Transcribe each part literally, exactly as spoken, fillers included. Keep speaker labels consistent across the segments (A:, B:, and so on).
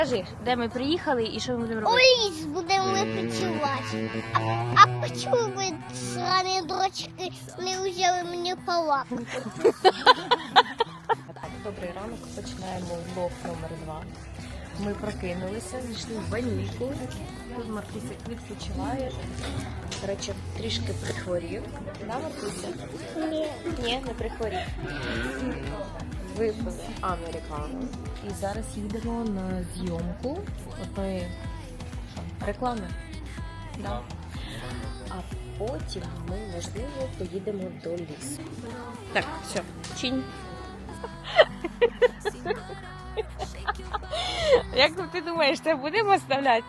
A: Скажи, де ми приїхали і що ми будемо робити?
B: У ліс будемо відпочивати. А, а чому ви, срані дрочки, не взяли мені палатку?
A: Добрий ранок, починаємо влог номер два. Ми прокинулися, зійшли в ванільку. Тут Маркуся відпочиває. До речі, трішки прихворів. Да, Маркуся?
B: Ні.
A: Ні, не прихворів. Випили американу. І зараз їдемо на зйомку одної реклами. Да. А потім ми, можливо, поїдемо до лісу. Так, все, чинь. Як ти думаєш, це будемо оставляти?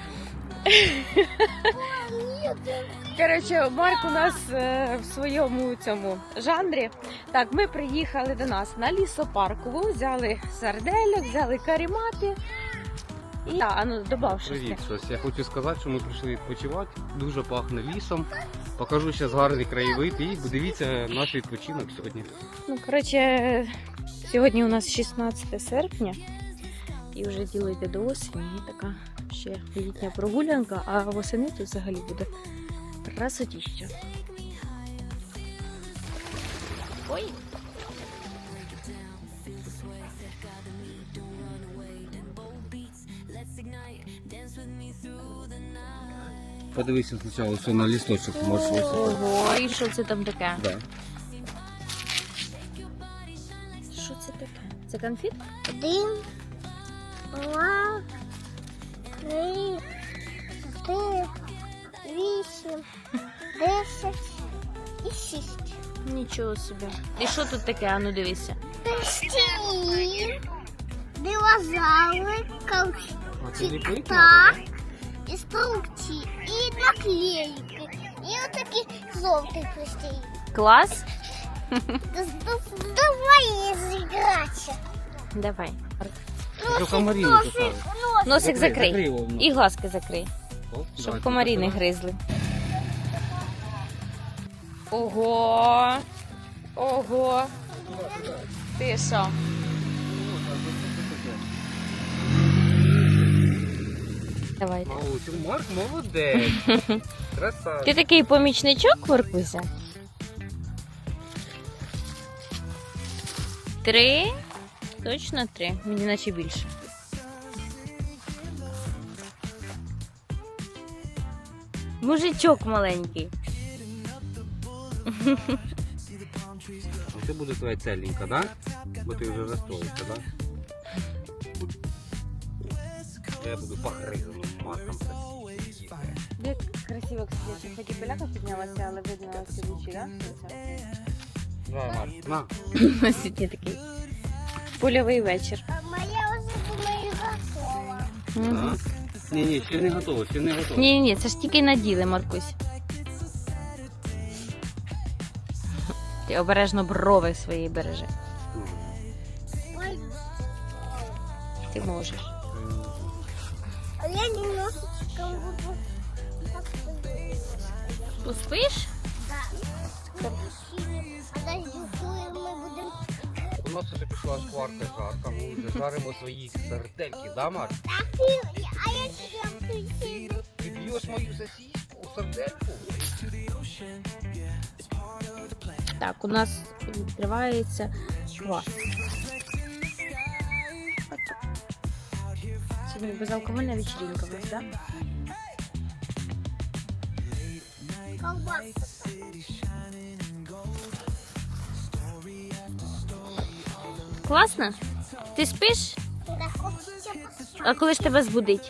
A: Коротше, Марк у нас е, в своєму цьому жанрі. Так, ми приїхали до нас на лісопаркову, взяли сардельок, взяли карімати. І, а, ну, добав щось.
C: Привіт, щось. Я хочу сказати, що ми прийшли відпочивати. Дуже пахне лісом. Покажу зараз гарний краєвид і подивіться наш відпочинок сьогодні.
A: Ну, коротше, сьогодні у нас шістнадцяте серпня. І вже діло йде до осені. І така ще літня прогулянка, а восени тут взагалі буде красотіще. Ой!
C: Подивися спочатку, що на лісточок можеш висипати.
A: Ого, і що це там таке?
C: Да.
A: Що це таке? Це конфет?
B: Один, два, три, чотири, вісім, десять і шість.
A: Нічого собі. І що тут таке? А ну дивися.
B: Перстені, динозаври,
C: А це ліпить
B: так,
C: надо,
B: інструкції і наклейки. І отакі жовті перстені.
A: Клас?
B: Давай зігратися.
A: Давай.
C: Що комарі не кусали.
A: Носик закрий.
C: закрий його.
A: І глазки закрий.
C: Оп,
A: Щоб
C: давай,
A: комарі не
C: закривай.
A: гризли. Ого! Ого! Ти що? Давайте.
C: Маусю, Марк молодець. Красавчик.
A: Ти такий помічничок, Маркуся? Три? Точно три. Мені наче більше. Мужичок маленький.
C: Це буде твоя целенька, да? Бо ти вже розстроївся, да? Я буду погризаним Марком.
A: Як красиво, кстати, хоч і поляка піднялася, але видно всі лучі, да?
C: Давай, Марк, на.
A: Сьогодні такий польовий вечір.
B: А моя вже думаю готова.
A: Угу.
C: Ні, ні, ще не готово, ще не готово.
A: Ні, ні, це ж тільки наділи, Маркусь. Ти обережно брови свої бережи.
B: Ой,
A: Ти можеш.
B: а я немножечко буду
A: Поспиш?
B: да. Подожди, коли ми будемо.
C: У нас вже пішла шкварка жарка, ми вже жаримо свої сардельки, да, Марк?
B: А я ще присіду.
C: Ти б'єш мою сосиску, сардельку?
A: Так, у нас відкривається квас. Сьогодні безалкогольна вечеринка у нас, так?
B: Колбаса.
A: Класно? Ти спиш?
B: Да, хочеться поспати.
A: А коли ж тебе збудить?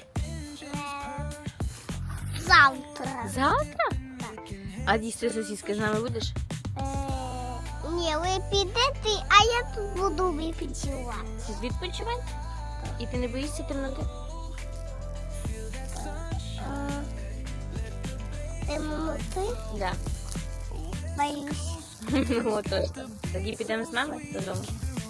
B: Завтра.
A: Завтра? А їсти сосиски з нами будеш?
B: Е, Ні, ви підете, а я тут буду відпочивати.
A: Відпочивай. І ти не боїшся темноти?
B: Е, Темноти?
A: Да.
B: Боюсь.
A: Ну, точно. Тоді підемо з нами додому.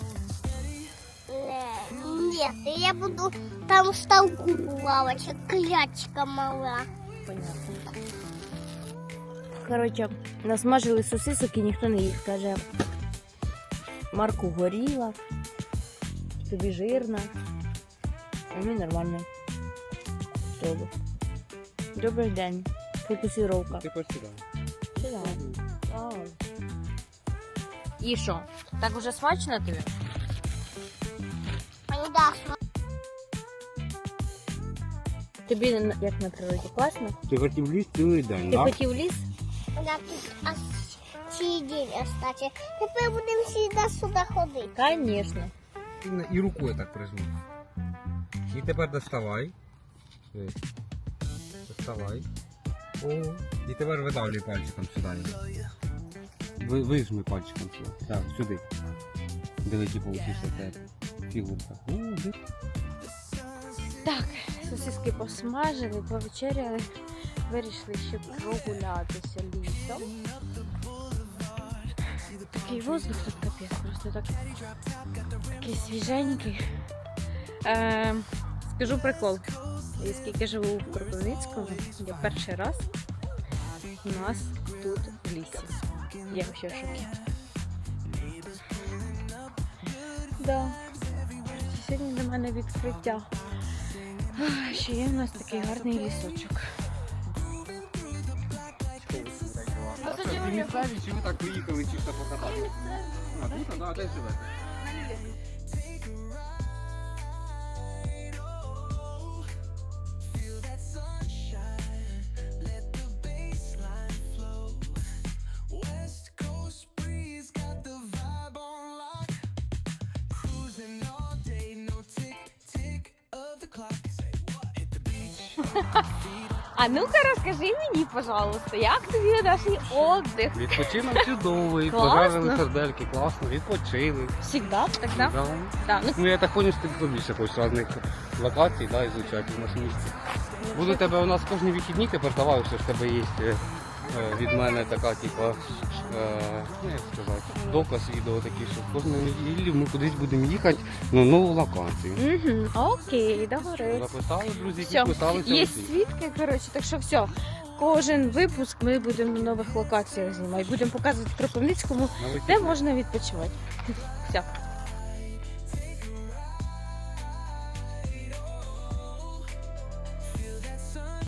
B: Е, Ні, я буду там в ставку плавати, клячка мала.
A: Понятно. Коротше, насмажили сосисок і ніхто не їх. Каже, Марку горіла, тобі жирна. А ми нормально. Добре. Добрий день. Фокусировка.
C: Ти посідай.
A: Сюди. Вау. І що? Так уже смачно тобі?
B: Мені дасть.
A: Тобі на- як на природі класно?
C: Ти хотів ліс цілий день,
A: Ти
C: так?
A: хотів ліс?
B: Я тут аж цілий день остаться. Тепер будемо всі сюди ходити.
A: Конечно.
C: І рукою так прижми. І тепер доставай. Ось. Доставай. О. І тепер видавлюй пальчиком сюди. Ви, вижми пальчиком сюди. Так, сюди. Диви, які получився тебе фігурка. О, де?
A: Так, сосиски посмажили, повечеряли. Вирішили ще прогулятися лісом. Такий воздух тут капець, просто так, такий свіженький. Е, скажу прикол. Я скільки живу в Кропивницькому, я перший раз у нас тут в лісі. Я ще в шокі. Да. Сьогодні для мене відкриття. Ах, ще є у нас такий гарний лісочок.
C: Ви місцеві, чи ви так приїхали чисто покататися? А тут, а де живете?
A: А ну-ка розкажи мені, пожалуйста, як тобі наш отдих?
C: Відпочинок чудовий,
A: Класно.
C: пожарили сердельки, класно, відпочили.
A: Всегда так, да?
C: Да.
A: Да. Ну,
C: Ну я так понял, що ти більше хочеш різних локацій, да, ізучати в нашому місті. Буду тебе у нас кожні вихідні тепер давай, що в тебе є е, е, від мене така, типа, е, ну як сказати, доказ відео такий, що кожної неділі ми кудись будемо їхати на нову локацію.
A: угу. Окей, добре.
C: Записали, друзі,
A: Все,
C: підписалися.
A: є
C: усі.
A: свідки, коротше, так що все. Кожен випуск ми будемо на нових локаціях знімати. Будемо показувати в Кропивницькому,
C: На
A: де можна відпочивати. Все.